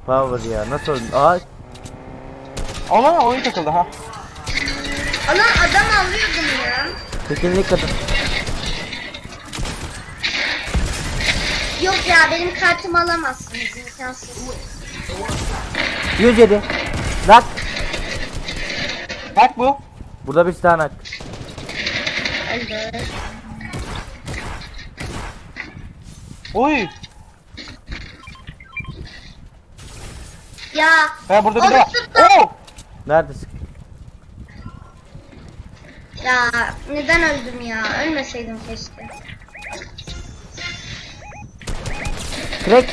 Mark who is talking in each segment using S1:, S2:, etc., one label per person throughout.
S1: Power ya nasıl öldün? Aa
S2: Ona oyun takıldı ha.
S3: Ana adam alıyordum ya.
S1: tekinlik kadın.
S3: Yok ya benim kartımı alamazsınız imkansız.
S1: 107. Nak.
S2: Bak bu.
S1: Burada bir tane nak.
S3: Öldü.
S2: Oy.
S3: Ya.
S2: Ha burada bir
S3: onu
S2: de var.
S3: tuttum.
S2: Oo.
S1: Neredesin?
S3: Ya neden öldüm ya? Ölmeseydim keşke.
S1: Crack.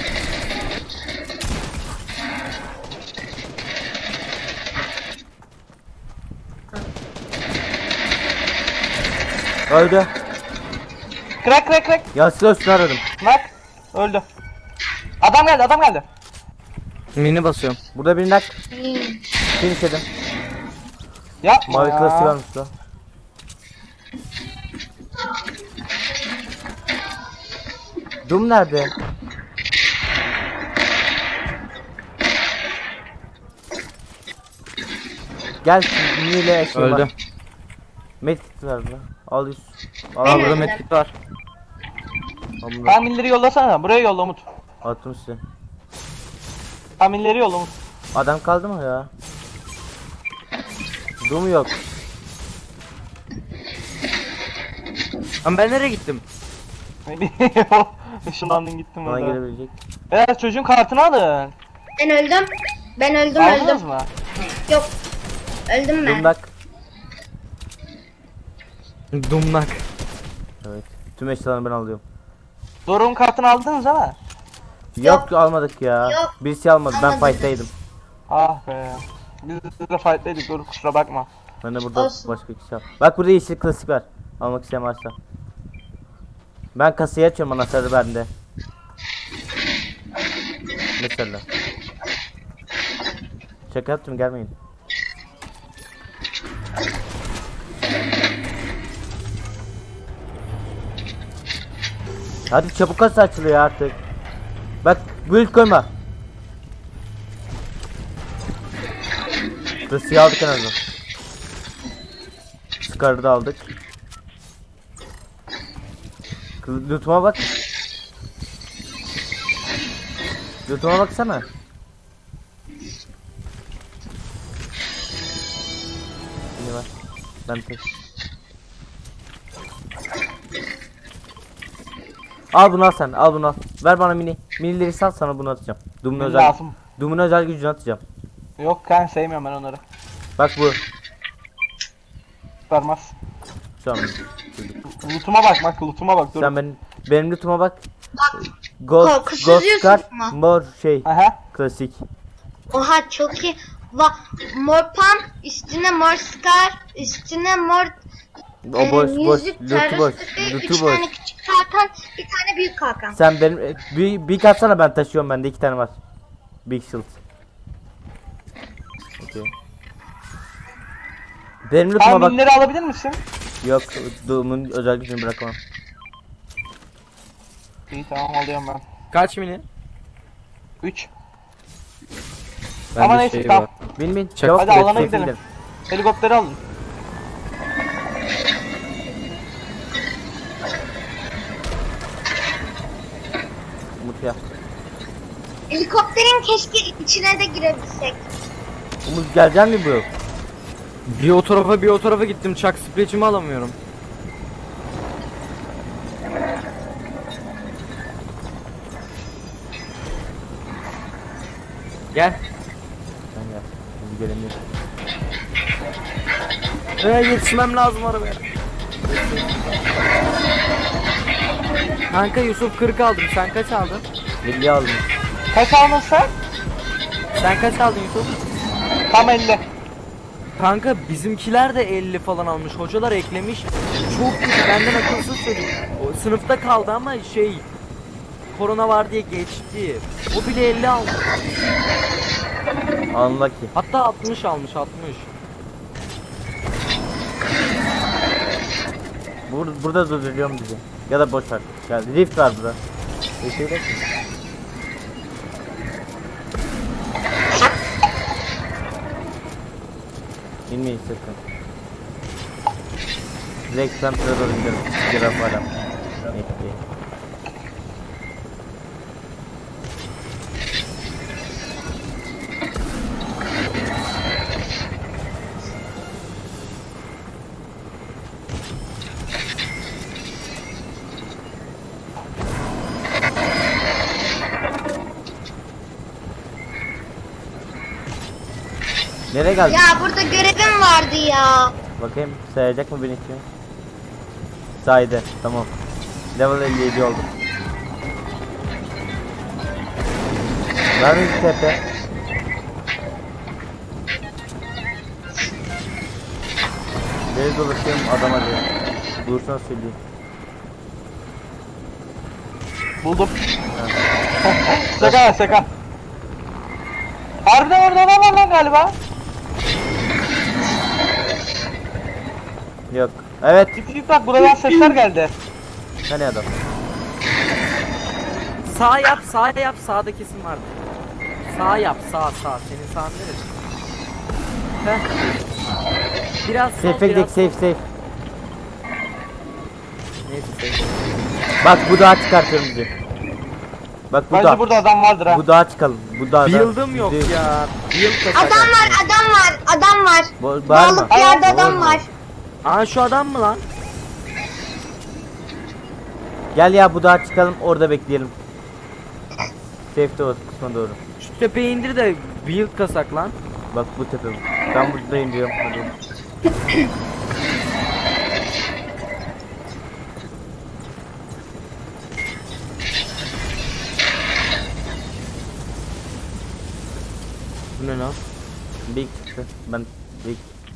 S1: Öldü.
S2: Crack.
S1: Ya silah üstüne aradım.
S2: Bak. Öldü. Adam geldi.
S4: Mini basıyorum.
S1: Burada bir nak.
S3: Hmm.
S1: Finish edim.
S2: Yapma
S1: Mavi
S2: ya.
S1: klasik varmış da. Doom nerede? Gel niyle şey
S4: Öldü.
S1: var. Medkit ver bana. Al 100. Al
S3: Ben
S1: al
S4: Burada
S3: öldüm.
S4: medkit var.
S1: bunu.
S2: Tahminleri yollasana. Buraya yolla Umut.
S1: Attım size.
S2: Tahminleri yolla Umut.
S1: Adam kaldı mı ya? Doom yok.
S4: Lan ben nereye gittim?
S2: Işınlandın gittin
S1: Bana
S2: burada.
S1: gelebilecek.
S2: Evet çocuğun kartını alın.
S3: Ben öldüm. Ben öldüm
S2: Aldınız
S3: öldüm.
S2: mı?
S3: Yok. Öldüm ben.
S1: Doom nak.
S4: Dumnak.
S1: Evet. Tüm eşyalarını ben alıyorum.
S2: Doruk'un kartını aldınız ama.
S1: Yok, almadık ya.
S3: Yok.
S1: Birisi almadı. Ben
S3: Almadık.
S1: fight'taydım.
S2: Ah be. Biz de fight'taydık Doruk kusura bakma.
S1: Ben de burada
S3: Olsun.
S1: başka kişi al. Bak burada yeşil klasik var. Almak isteyen varsa. Ben kasayı açıyorum anahtarı bende. Mesela. Şaka yaptım gelmeyin. Hadi çabuk kasa açılıyor artık. Bak build koyma. Kasayı aldık en azından. Scar'ı da aldık. Loot'uma bak. Loot'uma baksana. Yine var. Ben tek. Al bunu al sen. Al bunu al. Ver bana mini. Minileri sal sana bunu atacağım. Doom'un özel.
S2: Lazım.
S1: Doom'un özel gücünü atacağım.
S2: Yok ben sevmiyorum ben onları.
S1: Bak bu.
S2: Vermez.
S1: Şu an.
S2: Loot'uma bak loot'uma bak Doruk.
S1: Sen benim loot'uma bak. Gold,
S3: Korkusuz
S1: Ghost
S3: Yusuf
S1: Card,
S3: mu?
S1: mor şey,
S2: Aha.
S1: klasik.
S3: Oha çok iyi. Mor pump, üstüne mor scar, üstüne mor
S1: O boş,
S3: yüzük,
S1: loot'u boş,
S3: terörist,
S1: loot'u
S3: 3
S1: boş.
S3: tane küçük kalkan, bir tane büyük kalkan.
S1: Sen benim bir katsana ben taşıyorum bende 2 tane var. Big shield. Okay. Benim loot'uma bak.
S2: Tahminleri alabilir misin?
S1: Yok, Doom'un özel gücünü bırakamam.
S2: İyi tamam alıyorum ben.
S4: Kaç mini?
S2: 3.
S4: Bende
S2: Ama neyse
S4: şey
S2: tamam.
S4: var.
S1: Bin
S4: Çak-
S1: çabuk
S2: Hadi
S1: gel,
S2: alana
S1: safe
S2: gidelim. Helikopteri alın.
S1: Umut ya.
S3: Helikopterin keşke içine de girebilsek.
S1: Umut gelecek mi bu?
S4: Bir o tarafa gittim. Çak spreçimi alamıyorum. Gel.
S1: Ben gel. Şimdi gelemiyorum.
S4: Yetişmem lazım arabaya. Kanka Yusuf 40 aldım. Sen kaç aldın?
S1: 50 aldım.
S2: Kaç aldın sen?
S4: Sen kaç aldın Yusuf?
S2: Tam 50.
S4: Kanka bizimkiler de 50 falan almış. Hocalar eklemiş. Çok kötü. Benden akılsız çocuk. O sınıfta kaldı ama şey korona var diye geçti. O bile 50 aldı.
S1: Unlucky.
S4: Hatta 60 almış 60.
S1: Burada durduruyorum bizi. Ya da boş ver. Gel. Rift var burada. Rift'e gidelim mi? İnmeyin sakın. Direkt Panther'a doğru gidelim. Giraf adam. Ekleyin. Nereye geldin?
S3: Ya burada görevim vardı ya.
S1: Bakayım sayacak mı beni için? Saydı. Tamam. Level 57 oldum. Var mı bir tepe? Deli dolaşıyorum adama diyor. Dursan söyleyeyim.
S2: Buldum. Şaka şaka. Harbiden orada adam var lan galiba.
S1: Yok. Evet.
S2: Çık bak buradan sesler geldi.
S1: Nereye adam?
S4: Sağ yap, sağ yap. Sağda kesin vardı. Sağ yap, sağ. Senin sağın neresi? Heh. Biraz sol,
S1: Safe'e gidelim,
S4: biraz sol.
S1: safe.
S4: Neyse safe.
S1: Bak bu dağa çıkartıyorum bizi. Bak bu
S2: Bence
S1: dağ.
S2: burada adam vardır ha.
S1: Bu dağa çıkalım. Bu dağda.
S4: Build'ım yok
S1: bizi-
S4: ya. Build da
S3: Adam var. Adam var.
S1: Var mı?
S3: Dağlık bir yerde adam
S1: Var mı?
S3: var.
S4: Aa şu adam mı lan?
S1: Gel ya bu dağa çıkalım orada bekleyelim. Safe'de o kısma doğru.
S4: Şu tepeye indir de build kasak lan.
S1: Bak bu tepe bu. Ben buradayım diyorum. Hadi.
S4: Bu ne lan?
S1: Big çıktı. Ben Big.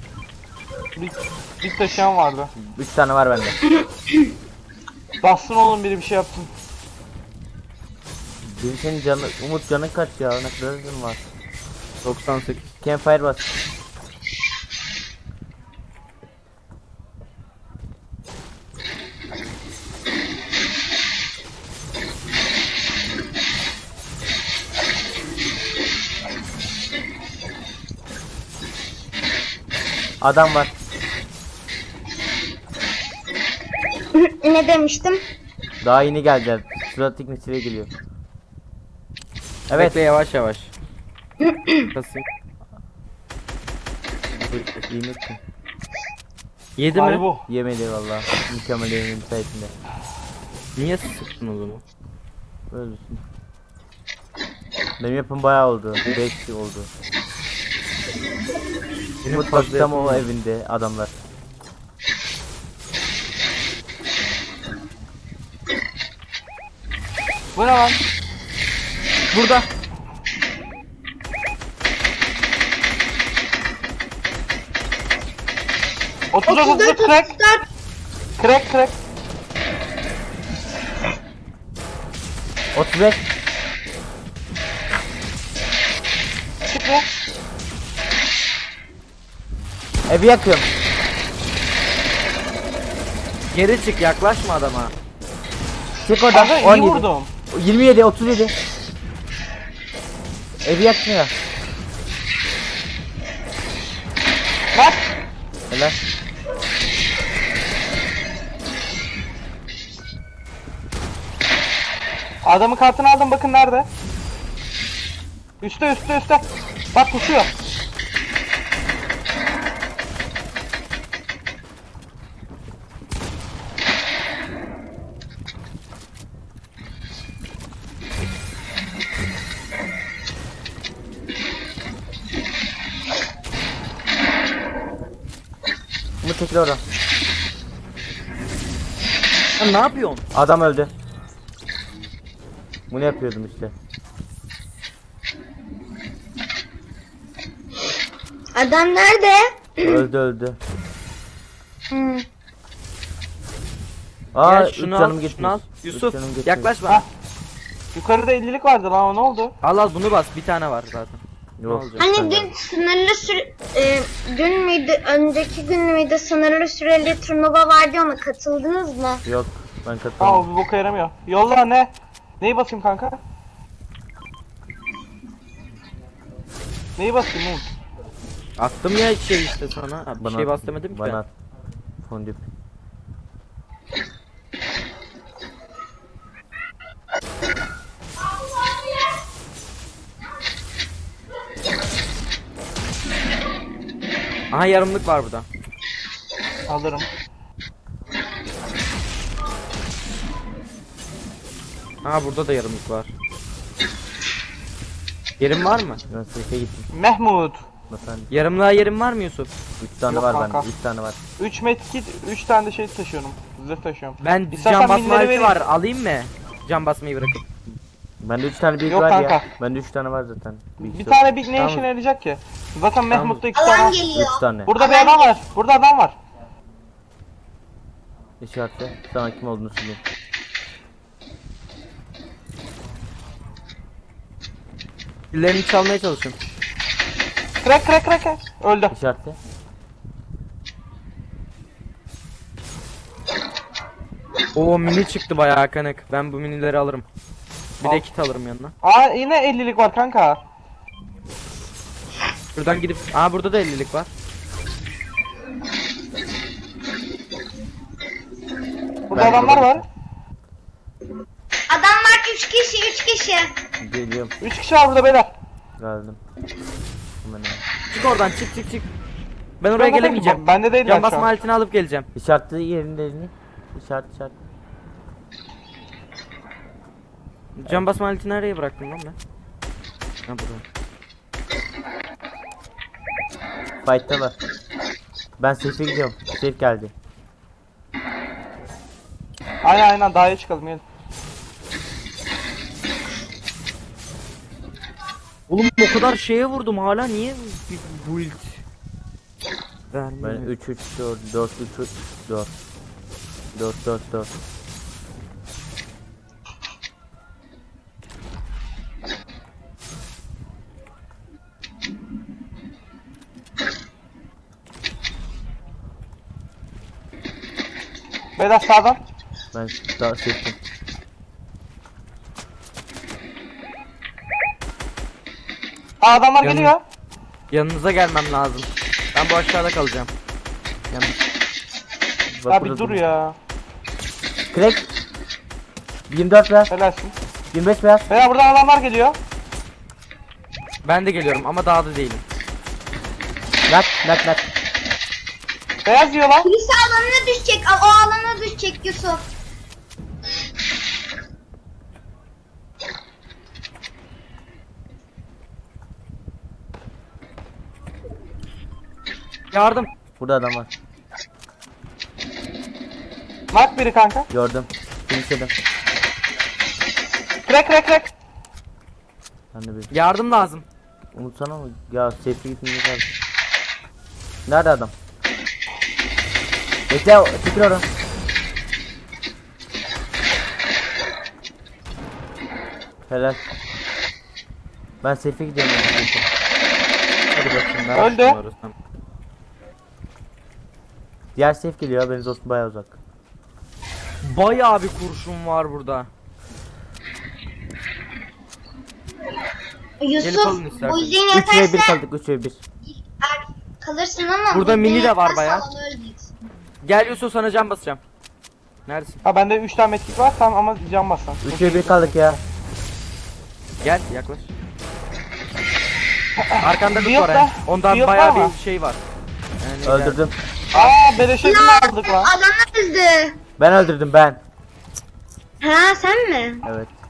S2: Bir taşıyan vardı.
S1: 3 tane var bende.
S2: Bassın oğlum biri bir şey yapsın.
S1: Bir senin canı, Umut canın kaç ya? Ne kadar canın var?
S4: 98.
S1: Campfire bas. Adam var.
S3: Ne demiştim?
S1: Daha yeni geldiler. Sıradaki mesele geliyor. Evet.
S4: Bekle yavaş yavaş. Kasayım.
S1: İyi misin?
S4: Yedi
S2: Hadi
S4: mi?
S2: bu.
S1: Yemedi valla. Mükemmel yemeğin sayesinde.
S4: Niye sıktın o zaman?
S1: Öylesin. Benim yapım bayağı oldu. 5 oldu.
S4: Benim
S1: Umut
S4: fazla
S1: bak tam o
S4: yapım var.
S1: evinde adamlar.
S2: Bu ne lan?
S4: Burada.
S2: Otuz
S3: 34
S2: crack.
S3: 34.
S2: Crack.
S1: 35.
S2: Çık be.
S1: Evi yakıyorum.
S4: Geri çık yaklaşma adama.
S1: Çık oradan.
S2: Kanka iyi
S1: 17.
S2: vurdum.
S1: 27, 37. Evi yakmıyor.
S2: Bak.
S1: Helal.
S2: Adamın kartını aldım bakın nerede? Üste. Bak kusuyor.
S1: Umut çekil oradan.
S4: Sen ne yapıyorsun?
S1: Adam öldü. Bunu yapıyordum işte.
S3: Adam nerede?
S1: Öldü.
S3: Hmm.
S1: Aa,
S4: Gel
S1: üç
S4: şunu
S1: canım
S4: al,
S1: gitmiş.
S4: şunu al.
S1: Üç
S4: Yusuf
S1: canım gitmiş.
S4: yaklaşma.
S2: Ha. Yukarıda 50'lik vardı lan o ne oldu?
S4: Al bunu bas bir tane var zaten. Ne
S1: Yok.
S4: olacak?
S3: Hani dün sınırlı süre... dün müydü? Önceki gün müydü? Sınırlı süreli turnuva vardı ona katıldınız mı?
S1: Yok. Ben
S2: Aa o
S1: katılmadım.
S2: bir boka yaramıyor. Yolla ne? Neyi basayım kanka? Neyi basayım oğlum?
S4: Attım ya şey işte sana. Bir şey
S1: at,
S4: bas demedim ki.
S1: bana at. Fondip.
S4: Aha yarımlık var burada.
S2: Alırım.
S4: Aha burada da yarımlık var. Yerim var mı?
S1: Ben seyfe gittim.
S2: Mehmut.
S1: Efendim.
S4: Yarımlığa yerim var mı Yusuf?
S1: 3 tane
S2: Yok
S1: var
S2: kanka.
S1: bende. 3 tane var.
S2: 3 medkit, 3 tane de şey taşıyorum. Zırh taşıyorum.
S4: Ben
S2: İstersen
S4: can basma
S2: minleri
S4: aleti
S2: vereyim.
S4: var. Alayım mı? Can basmayı bırakıp.
S1: Bende 3 tane büyük
S2: Yok
S1: var
S2: kanka.
S1: ya. Bende 3 tane var zaten.
S2: Bir tane Big ne
S4: Tamam.
S2: işine yarayacak ki? Zaten Mehmut'ta 2
S3: Alan
S2: tane var.
S3: geliyor.
S1: 3 tane.
S2: Burada bir adam var. Burada adam var.
S1: İşaretle. Sana kim olduğunu söyleyeyim.
S4: Pillerini çalmaya çalışın.
S2: Crack crack crack. Crack. Öldü.
S1: İşaretle.
S4: Oo mini çıktı bayağı kanık. Ben bu minileri alırım. Bir
S2: Al.
S4: de kit alırım yanına.
S2: Aa yine 50'lik var kanka.
S4: Buradan gidip... Aa burada da 50'lik var.
S2: Burada
S1: Ben
S2: adamlar
S1: burada-
S3: Adam
S2: var.
S3: var 3 kişi 3 kişi.
S1: Geliyorum.
S2: 3 kişi var burada beyler.
S1: Geldim. Hemen hemen.
S4: Çık oradan çık. Ben oraya gelemeyeceğim.
S2: Bende değil
S4: Can
S2: şu
S4: basma
S2: an.
S4: aletini alıp geleceğim.
S1: İşaretle yerini. İşaret.
S4: Can basma aletini nereye bıraktım lan ben? Ha burada.
S1: Fight'ta var. Ben seyfe gidiyorum. Safe geldi.
S2: Aynen daha iyi çıkalım gelin.
S4: Oğlum o kadar şeye vurdum hala niye bu build
S1: Ben
S4: vermiyor?
S1: 3 4 3 4 4.
S2: Beyler sağdan.
S1: Ben daha safe'im.
S2: Aa adamlar
S4: Yanım.
S2: geliyor.
S4: Yanınıza gelmem lazım. Ben bu aşağıda kalacağım.
S2: Ya bir dur ya.
S1: Crack. 24 ver.
S2: Helalsin.
S1: 25 ver.
S2: Beyler buradan adamlar geliyor.
S4: Ben de geliyorum ama dağda değilim.
S1: Nak.
S2: Beyaz diyor lan.
S3: Birisi alana düşecek. O alana düşecek Yusuf.
S4: Yardım.
S1: Burada adam var.
S2: Mark biri kanka.
S1: Gördüm. Finishledim.
S2: Crack crack crack.
S1: Ben de bir.
S4: Yardım lazım.
S1: Umutsana mı? Ya safe'e gitmemiz lazım. Nerede adam? Bekle, çekil oradan. Helal. Ben safe'e gidiyorum.
S4: Hadi bakayım. ben
S2: Öldü.
S4: açtım orası.
S1: Diğer safe geliyor, haberiniz olsun, bayağı uzak.
S4: Bayağı bir kurşun var burada.
S3: Yusuf
S4: alın istersen.
S3: bu yüzden
S1: 3 ve 1
S3: yatarsa
S1: kaldık, 3 ve 1.
S3: kalırsın ama
S4: Burada
S3: bu
S4: mini
S3: yüzden
S4: de var
S3: yatarsa
S4: bayağı.
S3: alana öleceksin.
S4: Gel Yusuf sana can basacağım. Neredesin?
S2: Ha bende 3 tane medkit var tamam ama can bassan.
S1: 3 ve 1 kaldık ya.
S4: Gel yaklaş. Arkanda
S2: Bir
S4: bir
S2: yok
S4: var
S2: da,
S4: ha. Ondan
S2: bir yok
S4: bayağı
S2: ama.
S4: bir şey var. Yani
S1: Öldürdüm.
S2: Aa beleşe aldık lan.
S3: Adam öldü.
S1: Ben öldürdüm ben.
S3: Ha sen mi?
S1: Evet.